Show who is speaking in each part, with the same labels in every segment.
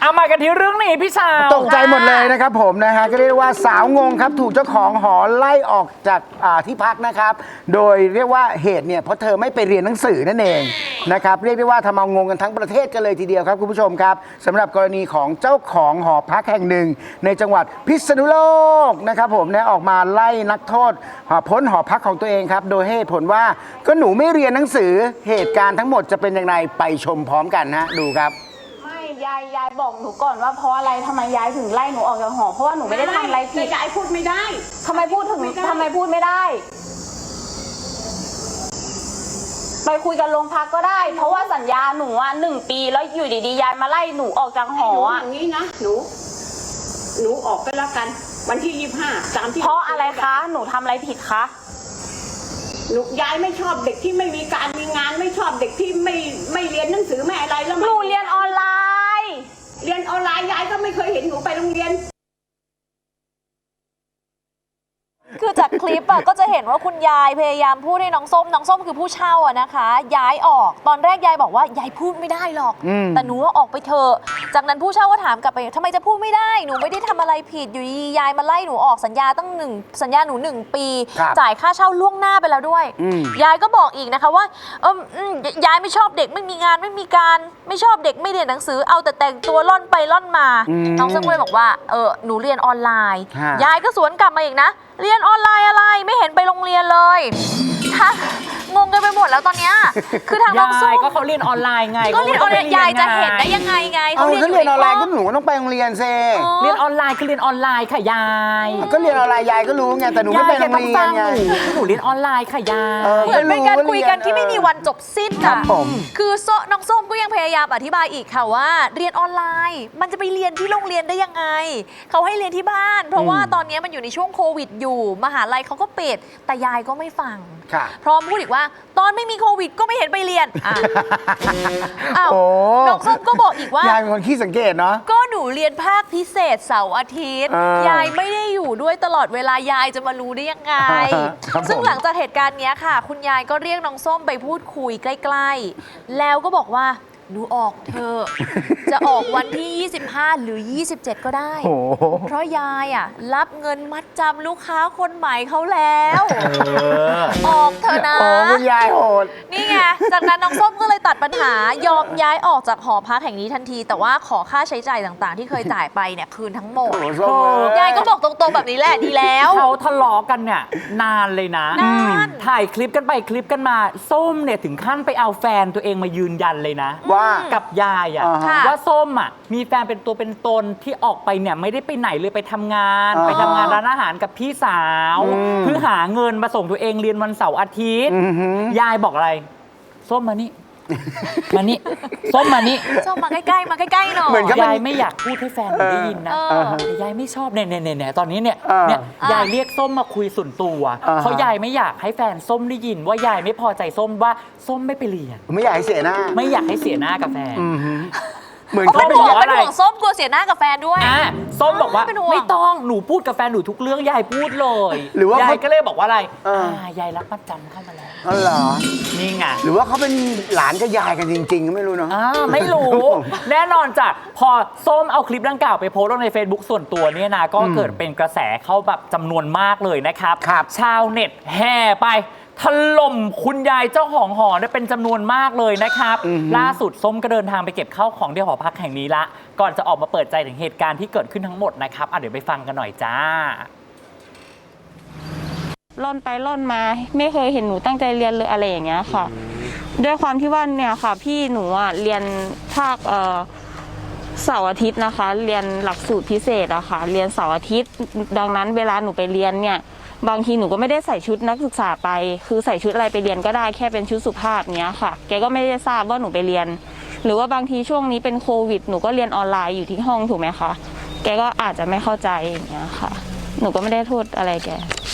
Speaker 1: เอามากันที่เรื่องนี้พี่ชาว
Speaker 2: ตกใจหมดเลยนะครับผมนะฮะก็เรียกว่าสาวงงครับถูกเจ้าของหอไล่ออกจากที่พักนะครับโดยเรียกว่าเหตุเนี่ยเพราะเธอไม่ไปเรียนหนังสือนั่นเองนะครับเรียกได้ว่าทำเอางงกันทั้งประเทศกันเลยทีเดียวครับคุณผู้ชมครับสำหรับกรณีของเจ้าของหอพักแห่งหนึ่งในจังหวัดพิษณุโลกนะครับผมนะออกมาไล่นักโทษพ้นหอพักของตัวเองครับโดยให้ผลว่าก็หนูไม่เรียนหนังสือเหตุการณ์ทั้งหมดจะเป็นอย่างไรไปชมพร้อมกันฮะดูครับ
Speaker 3: ยายบอกหนูก่อนว่าเพราะอะไรทำไมยายถึงไล่หนูออกจากหอเพราะว่าหนูไม่ได้ทำอะไรผิด
Speaker 4: ยายพูดไม่ได้
Speaker 3: ทำไมพูดไม่ได้ไปคุยกันโรงพักก็ได้เพราะว่าสัญญาหนู1 ปีแล้วอยู่ดีๆยายมาไล่หนูออกจากหอ
Speaker 4: อย่างนี้นะหนูออกไปแล้วกันวันที่25ตามที่
Speaker 3: เพราะอะไรคะหนูทำอะไรผิดคะ
Speaker 4: ยายไม่ชอบเด็กที่ไม่มีการมีงานไม่ชอบเด็กที่ไม่เรียนหนังสือไม่อะไรแล้ว
Speaker 3: หนูเรียนออนไลน์
Speaker 4: ยายก็ไม่เคยเห็นหนูไปโรงเรียน
Speaker 5: คือจากคลิปก็จะเห็นว่าคุณยายพยายามพูดให้น้องส้มคือผู้เช่านะคะย้ายออกตอนแรกยายบอกว่ายายพูดไม่ได้หรอกแต่หนูว่าออกไปเถอะจากนั้นผู้เช่าก็ถามกลับไปทำไมจะพูดไม่ได้หนูไม่ได้ทำอะไรผิดอยู่ดียายมาไล่หนูออกสัญญาหนู1 ปีจ่ายค่าเช่าล่วงหน้าไปแล้วด้วยยายก็บอกอีกนะคะว่ายายไม่ชอบเด็กไม่มีงานไม่มีการไม่ชอบเด็กไม่เรียนหนังสือเอาแต่แต่งตัวล่อนไปล่อนมาน้องส้มก็เลยบอกว่าหนูเรียนออนไลน์ยายก็สวนกลับมาอีกนะเรียนออนไลน์อะไรไม่เห็นไปโรงเรียนเลยงงกันไปหมดแล้วตอนเนี้ยคือทางน้องส้ม
Speaker 1: ก็เขาเรียนออนไลน์ไง
Speaker 5: ก็เรียนออนไลน์ยายจะเห็นได้ยังไง
Speaker 2: เขาเรียนออนไลน์ก็หนูต้องไปโรงเรียนเซ
Speaker 1: เรียนออนไลน์คือเรียนออนไลน์ค่ะยาย
Speaker 2: ก็เรียนออนไลน์ยายก็รู้ไงแต่หนูไม่ไปโรงเรียนไง
Speaker 1: หนูเรียนออนไลน์ค่ะยาย
Speaker 5: เหมือนเป็นการคุยกันที่ไม่มีวันจบสิ้นค่ะคือน้องส้มก็ยังพยายามอธิบายอีกค่ะว่าเรียนออนไลน์มันจะไปเรียนที่โรงเรียนได้ยังไงเขาให้เรียนที่บ้านเพราะว่าตอนนี้มันอยู่ในช่วงโควิดอยู่มหาลัยเขาก็ปิดแต่ยายก็ไม่ฟังพร้อมพูดอีกว่าตอนไม่มีโควิดก็ไม่เห็นไปเรียนน้องส้มก็บอกอีกว่าย
Speaker 2: ายเป็นคนขี้สังเกตเนาะ
Speaker 5: ก็หนูเรียนภาคพิเศษเสาร์อาทิตย์ยายไม่ได้อยู่ด้วยตลอดเวลายายจะมารู้ได้ยังไงซึ่งหลังจากเหตุการณ์นี้ค่ะคุณยายก็เรียกน้องส้มไปพูดคุยใกล้ๆแล้วก็บอกว่าหนูออกเธอจะออกวันที่25หรือ27ก็ได้เพราะยายรับเงินมัดจำลูกค้าคนใหม่เขาแล้วออกเธอนะ
Speaker 2: คุณยายโหด
Speaker 5: นี่ไงจากนั้นน้องส้มก็เลยตัดปัญหายอมย้ายออกจากหอพักแห่งนี้ทันทีแต่ว่าขอค่าใช้จ่ายต่างๆที่เคยจ่ายไปเนี่ยคืนทั้งหมดยายก็บอกตรงๆแบบนี้แหละดีแล้ว
Speaker 1: เขาทะเลาะกันเนี่ยนานเลยนะถ่ายคลิปกันไปคลิปกันมาส้มเนี่ยถึงขั้นไปเอาแฟนตัวเองมายืนยันเลยนะกับยายว่าส้มมีแฟนเป็นตัวเป็นตนที่ออกไปเนี่ยไม่ได้ไปไหนเลยไปทำงานร้านอาหารกับพี่สาวเพื่อหาเงินมาส่งตัวเองเรียนวันเสาร์อาทิตย์ยายบอกอะไรส้มมานี่ส้มมานี่
Speaker 5: ส้มมาใกล้ๆหน่อย
Speaker 1: ยายไม่อยากพูดให้แฟนได้ยินนะยายไม่ชอบเนี่ยตอนนี้เนี่ยยายเรียกส้มมาคุยส่วนตัวเพราะยายไม่อยากให้แฟนส้มได้ยินว่ายายไม่พอใจส้มว่าส้มไม่ไปเรียน
Speaker 2: ไม่อยากให้เสียหน้า
Speaker 1: กับแฟน
Speaker 5: เหมือนเขาเป็นห่วงส้มกลัวเสียหน้ากับแฟนด้วย
Speaker 1: ส้มบอกว่าไม่ต้องหนูพูดกับแฟนหนูทุกเรื่องยายพูดเลยหรือว่ายายก็เลยบอกว่าอะไรยายรับมัดจำเข้ามาแล้ว
Speaker 2: อ๋อเหรอ
Speaker 1: นี่ไง
Speaker 2: หรือว่าเขาเป็นหลานกับยายกันจริงๆไม่รู้เนาะ
Speaker 1: ไม่รู้แน่นอนจ้ะพอส้มเอาคลิปดังกล่าวไปโพสต์ลงใน Facebook ส่วนตัวเนี่ยนะก็เกิดเป็นกระแสเข้าแบบจำนวนมากเลยนะครับชาวเน็ตแห่ไปถล่มคุณยายเจ้าของหอได้เป็นจำนวนมากเลยนะครับล่าสุดส้มก็เดินทางไปเก็บข้าวของที่หอพักแห่งนี้ละก่อนจะออกมาเปิดใจถึงเหตุการณ์ที่เกิดขึ้นทั้งหมดนะครับเดี๋ยวไปฟังกันหน่อยจ้า
Speaker 6: ล่อนไปล่อนมาไม่เคยเห็นหนูตั้งใจเรียนเลยอะไรอย่างเงี้ยค่ะด้วยความที่ว่าเนี่ยค่ะพี่หนูเรียนภาคเสาร์อาทิตย์นะคะเรียนหลักสูตรพิเศษอะค่ะเรียนเสาร์อาทิตย์ดังนั้นเวลาหนูไปเรียนเนี่ยบางทีหนูก็ไม่ได้ใส่ชุดนักศึกษาไปคือใส่ชุดอะไรไปเรียนก็ได้แค่เป็นชุดสุภาพเนี้ยค่ะแกก็ไม่ได้ทราบว่าหนูไปเรียนหรือว่าบางทีช่วงนี้เป็นโควิดหนูก็เรียนออนไลน์อยู่ที่ห้องถูกไหมคะแกก็อาจจะไม่เข้าใจอย่างเงี้ยค่ะหนูก็ไม่ได้โทษอะไรแก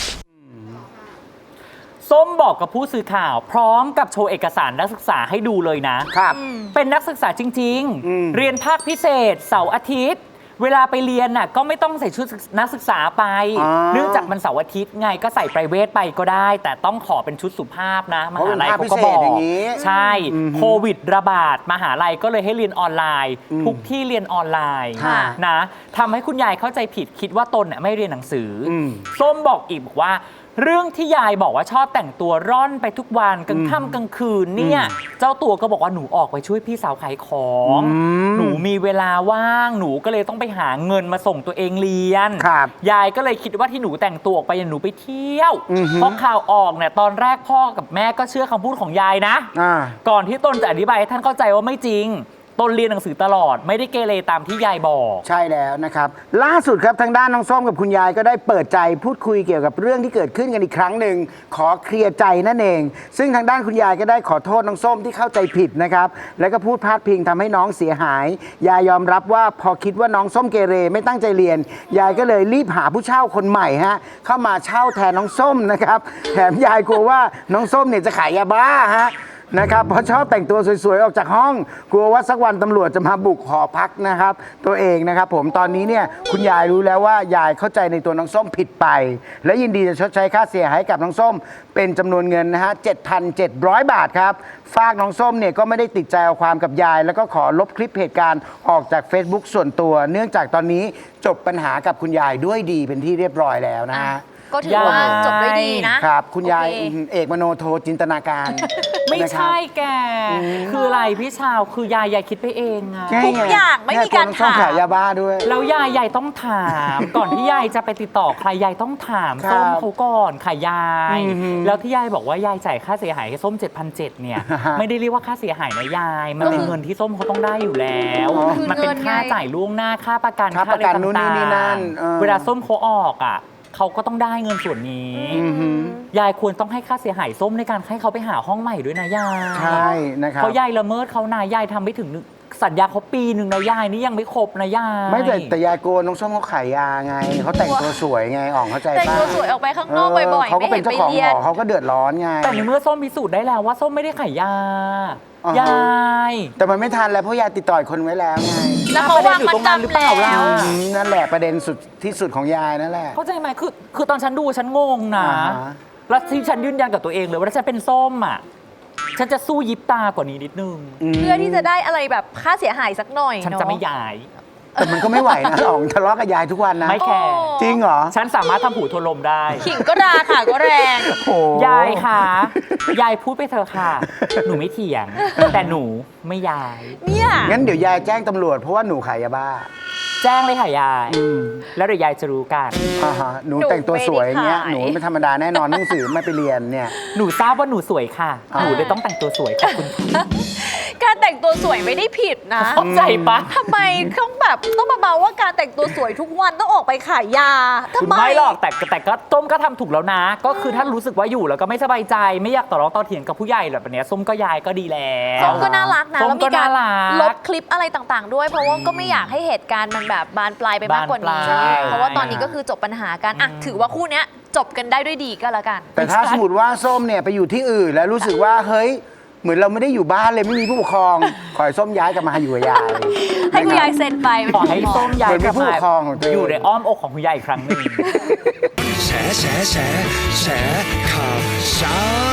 Speaker 1: ส้มบอกกับผู้สื่อข่าวพร้อมกับโชว์เอกสารนักศึกษาให้ดูเลยนะครับเป็นนักศึกษาจริงๆเรียนภาคพิเศษเสาร์อาทิตย์เวลาไปเรียนน่ะก็ไม่ต้องใส่ชุดนักศึกษาไป เนื่องจากมันเสาร์อาทิตย์ไงก็ใส่ไพรเวทไปก็ได้ แต่ต้องขอเป็นชุดสุภาพนะมหาลัยเขาก็บอกใช่โควิดระบาดมหาลัยก็เลยให้เรียนออนไลน์ ทุกที่เรียนออนไลน์นะทำให้คุณยายเข้าใจผิดคิดว่าตนน่ะไม่เรียนหนังสือส้มบอกอีกบอกว่าเรื่องที่ยายบอกว่าชอบแต่งตัวร่อนไปทุกวันกลางค่ำกลางคืนเนี่ยเจ้าตัวก็บอกว่าหนูออกไปช่วยพี่สาวขายของหนูมีเวลาว่างหนูก็เลยต้องไปหาเงินมาส่งตัวเองเรียนยายก็เลยคิดว่าที่หนูแต่งตัวออกไปหนูไปเที่ยวเพราะข่าวออกเนี่ยตอนแรกพ่อกับแม่ก็เชื่อคำพูดของยายนะก่อนที่ตนจะอธิบายให้ท่านเข้าใจว่าไม่จริงตนเรียนหนังสือตลอดไม่ได้เกเรตามที่ยายบอก
Speaker 2: ใช่แล้วนะครับล่าสุดครับทางด้านน้องส้มกับคุณยายก็ได้เปิดใจพูดคุยเกี่ยวกับเรื่องที่เกิดขึ้นกันอีกครั้งหนึ่งขอเคลียร์ใจนั่นเองซึ่งทางด้านคุณยายก็ได้ขอโทษน้องส้มที่เข้าใจผิดนะครับแล้วก็พูดพาดพิงทำให้น้องเสียหายยายยอมรับว่าพอคิดว่าน้องส้มเกเรไม่ตั้งใจเรียนยายก็เลยรีบหาผู้เช่าคนใหม่ฮะเข้ามาเช่าแทนน้องส้มนะครับแถมยายกลัวว่าน้องส้มเนี่ยจะขายยาบ้าฮะนะครับเพราะชอบแต่งตัวสวยๆออกจากห้องกลัวว่าสักวันตำรวจจะมาบุกหอพักนะครับตัวเองนะครับผมตอนนี้เนี่ยคุณยายรู้แล้วว่ายายเข้าใจในตัวน้องส้มผิดไปและยินดีจะชดใช้ค่าเสียหายให้กับน้องส้มเป็นจำนวนเงินนะฮะ 7,700 บาทครับฝากน้องส้มเนี่ยก็ไม่ได้ติดใจเอาความกับยายแล้วก็ขอลบคลิปเหตุการณ์ออกจาก Facebook ส่วนตัวเนื่องจากตอนนี้จบปัญหากับคุณยายด้วยดีเป็นที่เรียบร้อยแล้วนะฮะ
Speaker 5: ก็ถือว่าจบด้วยดีนะครับ
Speaker 2: คุณยายเอกมโนโทจินตนาการ
Speaker 1: ไม่ใช่แกคืออะไรพี่ชาวคือยายคิดไปเองอะ
Speaker 5: ทุกอย่างไม่มีการถาม
Speaker 2: ขายยาบ้าด้วย
Speaker 1: แล้วยายต้องถามก่อนที่ยายจะไปติดต่อใครยายต้องถามส้มเขาก่อนขายยายแล้วที่ยายบอกว่ายายจ่ายค่าเสียหายให้ส้ม 7,700เนี่ยไม่ได้เรียกว่าค่าเสียหายนะยายมันเป็นเงินที่ส้มเขาต้องได้อยู่แล้วมันเป็นค่าจ่ายล่วงหน้าค่าประกันค่าอะไรต่างๆเวลาส้มเขาออกอ่ะเขาก็ต้องได้เงินส่วนนี้ยายควรต้องให้ค่าเสียหายส้มในการให้เขาไปหาห้องใหม่ด้วยนะยาย
Speaker 2: ใช่นะครับ
Speaker 1: เพราะยายละเมิดเขานายายทำไม่ถึงสัญญาเขาปีหนึ่งนะยายนี่ยังไม่ครบนะยาย
Speaker 2: ไม่แต่ยายโกนน้องส้มเขาขายยาไงเขาแต่งตัวสวยไงอ่องเข้าใจป่ะ
Speaker 5: แต่งตัวสวยออกไปข้างนอกบ่อยๆ
Speaker 2: เขาก็เป็นเจ้าของหอเขาก็เดือดร้อนไง
Speaker 1: แต่ในเมื่อส้มพิสูจน์ได้แล้วว่าส้มไม่ได้ขายยายาย
Speaker 2: แต่มันไม่ทันแล้วเพราะยายติดต่อคนไว้แล้วไง
Speaker 5: แล้วเขาวางมันจำแล้ว
Speaker 2: นั่นแหละประเด็นสุดที่สุดของยายนั่นแหละ
Speaker 1: เข้าใจไหมคือตอนฉันดูฉันงงนะแล้วที่ฉันยืนยันกับตัวเองเลยว่าถ้าฉันเป็นส้มอ่ะฉันจะสู้ยิบตากว่านี้นิดนึง
Speaker 5: เพื่อที่จะได้อะไรแบบค่าเสียหายสักหน่อย
Speaker 1: ฉันจะไม่ย้าย
Speaker 2: แต่มันก็ไม่ไหวนะอ๋องทะเลาะกับยายทุกวันนะ
Speaker 1: ไม่แคร์
Speaker 2: จริงเหรอ
Speaker 1: ฉันสามารถทำหูทนลมได้
Speaker 5: ขิงก็ราค่ะก็แรง
Speaker 1: ยายค่ะยายพูดไปเถอะค่ะหนูไม่เถียงแต่หนูไม่ย้าย
Speaker 5: เนี่ย
Speaker 2: งั้นเดี๋ยวยายแจ้งตำรวจเพราะว่าหนูขายยาบ้า
Speaker 1: แจ้งเลยค่ะยายแล้วเดี๋ยวยายจะรู้กัน
Speaker 2: หนูแต่งตัวสวยเนี้ยหนูไม่ธรรมดาแน่นอนหนังสือไม่ไปเรียนเนี่ย
Speaker 1: หนูทราบว่าหนูสวยค่ะหนูเลยต้องแต่งตัวสวยขอบคุณ
Speaker 5: การแต่งตัวสวยไม่ได้ผิดนะ
Speaker 1: เข้าใจปะ
Speaker 5: ทำไมต้องมาเมาว่าการแต่งตัวสวยทุกวันต้องออกไปขายยาทำไม
Speaker 1: ไม่หรอกแต่ก็ต้มก็ทำถูกแล้วนะก็คือถ้ารู้สึกว่าอยู่แล้วก็ไม่สบายใจไม่อยากต่อร้องต่อเถียงกับผู้ใหญ่แบบนี้ส้มก็ยายก็ดีแล้ว
Speaker 5: ส้มก็น่ารักนะแล้วมีการลบคลิปอะไรต่างๆด้วยเพราะว่าก็ไม่อยากให้เหตุการณ์มันแบบบานปลายไปมากกว่านี้เพราะว่าตอนนี้ก็คือจบปัญหากันถือว่าคู่นี้จบกันได้ด้วยดีก็แล้วกัน
Speaker 2: แต่ถ้าสมมติว่าส้มเนี่ยไปอยู่ที่อื่นแล้วรู้สึกว่าเฮ้ยเหมือนเราไม่ได้อยู่บ้านเลยไม่มีผู้ปกครองขอให้ส้มย้ายกลับมาอยู่กับยาย
Speaker 5: ให้คุณยายเซ็นไป
Speaker 1: ขอให้ส้มย้ายกลับมาอยู่ในอ้อมอกของคุณยายอีกครั้งหนึ่ง
Speaker 7: แฉข่าวเช้า